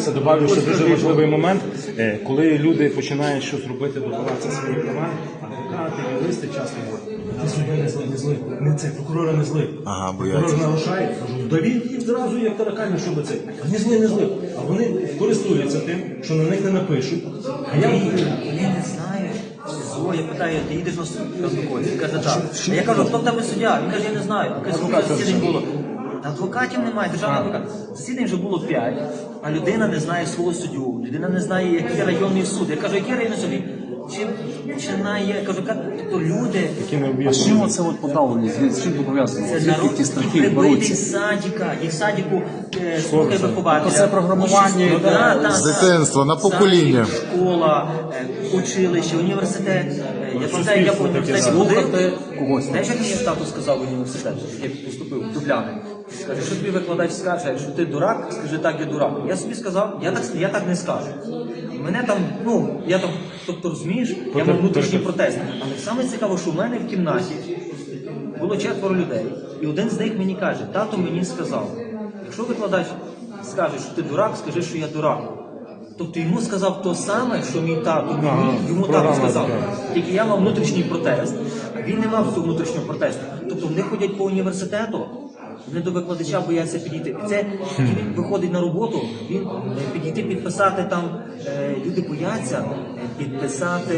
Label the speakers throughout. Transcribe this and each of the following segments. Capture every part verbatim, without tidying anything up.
Speaker 1: Дивися, добавлю ще дуже важливий момент, е, коли люди починають щось робити, добиватися своїх права, адвокати, юристи часто говорять, ти суддя не злий, не злий, не це, прокурора не злий.
Speaker 2: Ага, бояться.
Speaker 1: Прокурор нарушає, кажу, да він їх зразу як таракани, щоб це. Не злий, не злий. А вони користуються тим, що на них не напишуть. А я
Speaker 3: Вони не знають. О, я питаю, ти їдеш на суд? Він каже, так. А я кажу, хто там і суддя? Він каже, я не знаю. Він каже, скільки засідань було? Та адвокатів немає, державний адвокат. Засідань вже було п'ять, а людина не знає свого суддю, людина не знає, який районний суд. Я кажу, який районний суд? Чим починає, я кажу, тобто люди...
Speaker 4: А з чим оце от подавлення? З чим пов'язано?
Speaker 3: Це
Speaker 4: Звідки
Speaker 3: народ,
Speaker 4: ті
Speaker 3: які
Speaker 4: страхи
Speaker 3: прибитий
Speaker 4: беруться?
Speaker 3: з садика, їх в садику е, слухає вихователя.
Speaker 4: Це програмування
Speaker 3: Учись-
Speaker 4: йде
Speaker 3: Да, да,
Speaker 2: з
Speaker 3: да.
Speaker 2: дитинства, на покоління.
Speaker 3: Садик, школа, е, училище, університет. Е, Я пам'ятаю, я по університеті ходив.
Speaker 4: Слухати когось.
Speaker 3: Знаєш, як мені тату сказав в університет, як я поступив в Дубляни? Скаже, що тобі викладач скаже, якщо ти дурак, скажи так, я дурак. Я собі сказав, я так, я так не скажу. Мене там, ну, я там, тобто розумієш, я мав внутрішній протест. Але саме цікаво, що в мене в кімнаті було четверо людей, і один з них мені каже, тато мені сказав, якщо викладач скаже, що ти дурак, скажи, що я дурак. Тобто йому сказав те саме, що мій тато мені, йому тато сказав. Тільки я мав внутрішній протест, а він не мав того внутрішнього протесту. Тобто вони ходять по університету, вони до викладача бояться підійти. Це він виходить на роботу, він е, підійти, підписати там, е, люди бояться е, підписати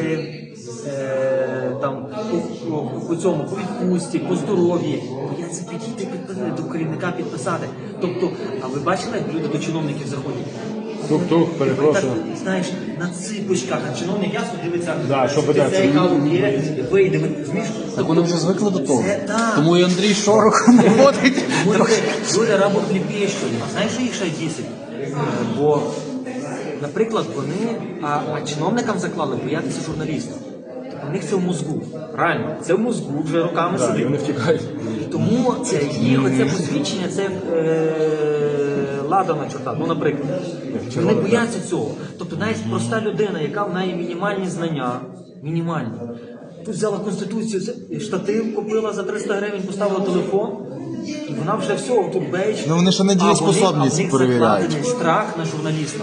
Speaker 3: е, там по, по, по цьому, по відпустці, по здоров'ї. Бояться підійти, підписати, до керівника підписати. Тобто, а ви бачили, як люди до чиновників заходять?
Speaker 1: Тук-тук, перепрошую.
Speaker 3: Так, знаєш, на ципочках, а чиновник ясно дивиться,
Speaker 1: Да, що
Speaker 3: ти
Speaker 1: ведеться.
Speaker 3: цей каву є, вийде, ви розумієш?
Speaker 4: Так вони вже звикли до того.
Speaker 3: Це так.
Speaker 4: Тому і Андрій Шорох не ходить.
Speaker 3: Люди, люди работ не пишуть. А знаєш, що їх ще дісять? Бо, наприклад, вони, а, а чиновникам заклали боятися журналістів. У них це в мозку. Реально, це в мозку вже роками
Speaker 1: Да, і
Speaker 3: сидить.
Speaker 1: вони втікають.
Speaker 3: І тому це їх оце посвідчення, це е, лада на чорта. Ну, наприклад, вони бояться цього. Тобто навіть проста людина, яка має мінімальні знання, мінімальні. Тут взяла Конституцію, це штатив купила за триста гривень, поставила телефон, і вона вже все, тут бейдж.
Speaker 2: Ну, вони ще недієспособність
Speaker 3: А вони- а в них
Speaker 2: перевіряють.
Speaker 3: закладений страх на журналіста.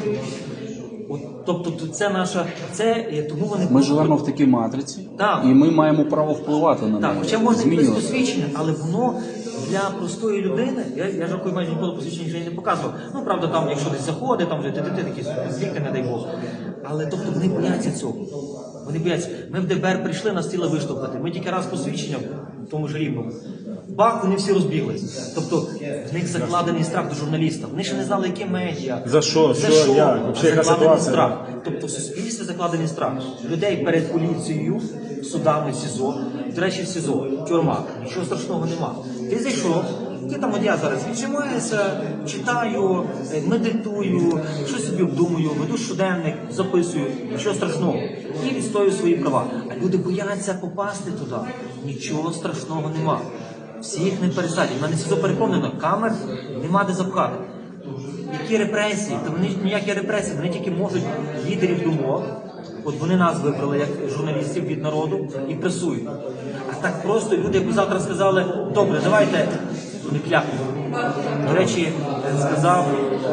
Speaker 3: От, тобто тут це наша, це, е, тому вони...
Speaker 4: Ми живемо в такій матриці,
Speaker 3: Так.
Speaker 4: і ми маємо право впливати на
Speaker 3: Так,
Speaker 4: неї.
Speaker 3: хоча можна якесь
Speaker 4: змінювати.
Speaker 3: посвідчення, але воно для простої людини, я, я жартую, майже ніколи посвідчення вже не показував. Ну, правда, там, якщо десь заходить, там вже ти ти такі звідки, не дай Бог. Але тобто вони бояться цього. Вони бояться. Ми в ДБР прийшли, нас хотіли виштовхати. Ми тільки раз посвідчення в тому ж Рівному. Бах, вони всі розбіглись. Тобто в них закладений страх до журналіста. Вони ще не знали, які медіа.
Speaker 1: За що?
Speaker 3: За
Speaker 1: Що?
Speaker 3: що?
Speaker 1: Як? Вообще, яка
Speaker 3: Закладений
Speaker 1: ситуація?
Speaker 3: страх. Тобто в суспільстві закладений страх. Людей перед поліцією, судами, СІЗО. До речі, в СІЗО, тюрма. Нічого страшного нема. Ти зайшов, ти там, от я зараз відчимаюся, читаю, е, медитую, щось собі обдумую, веду щоденник, записую, нічого страшного. І відстоюю свої права. А люди бояться попасти туди. Нічого страшного нема. Всіх не пересадять. У мене СІЗО переповнено, камер нема де запхати. Які репресії? Та вони ніякі репресії, вони тільки можуть лідерів думок. От вони нас вибрали як журналістів від народу і пресують. А так просто люди, якби завтра сказали, добре, давайте, вони клякнуть. До речі, сказав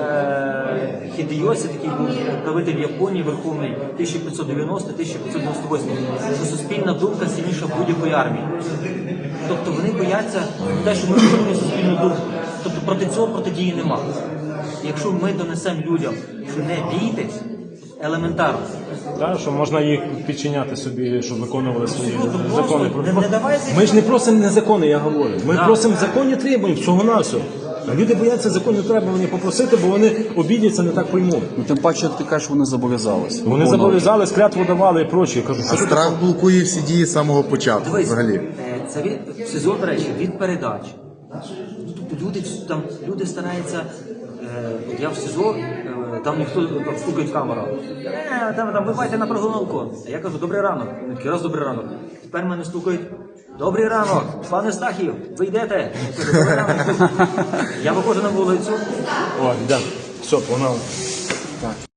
Speaker 3: е, Хідейосі, такий був правитель Японії, верховний тисяча п'ятсот дев'яносто - тисяча п'ятсот дев'яносто восьмий, що суспільна думка сильніша будь-якої армії. Тобто вони бояться те, що ми формуємо суспільну думку. Тобто проти цього протидії нема. Якщо ми донесемо людям, що не бійтесь, елементарно.
Speaker 1: Так, що можна їх підчиняти собі, щоб виконували свої
Speaker 3: Абсолютно,
Speaker 1: закони.
Speaker 3: просто не- не давай зайти.
Speaker 1: Ми ж не просимо не закони, я говорю. Ми
Speaker 3: Так.
Speaker 1: просимо законні требування, всього на все. А люди бояться законні требування попросити, бо вони обідяться, не так поймуть.
Speaker 4: Ну, тим паче, ти кажеш, вони зобов'язалися.
Speaker 1: Вони
Speaker 4: виконувати.
Speaker 1: зобов'язались, клятву давали і прочі. Я кажу,
Speaker 2: А
Speaker 1: що
Speaker 2: страх блокує всі дії з самого початку.
Speaker 3: Дивись,
Speaker 2: Взагалі.
Speaker 3: е, це від СІЗО, до речі, від передач. Ну, тобто люди там люди стараються. Е, от я в СІЗО, е, там ніхто там стукає в камеру. Е, там, там вибайте на прогулянку. А я кажу, добрий ранок. Вони такі, раз добрий ранок. Тепер мене стукають. Добрий ранок, пане Стахів, ви йдете? Я кажу, добрий ранок. Я виходжу на вулицю.
Speaker 1: О, йдемо. Все, погнали.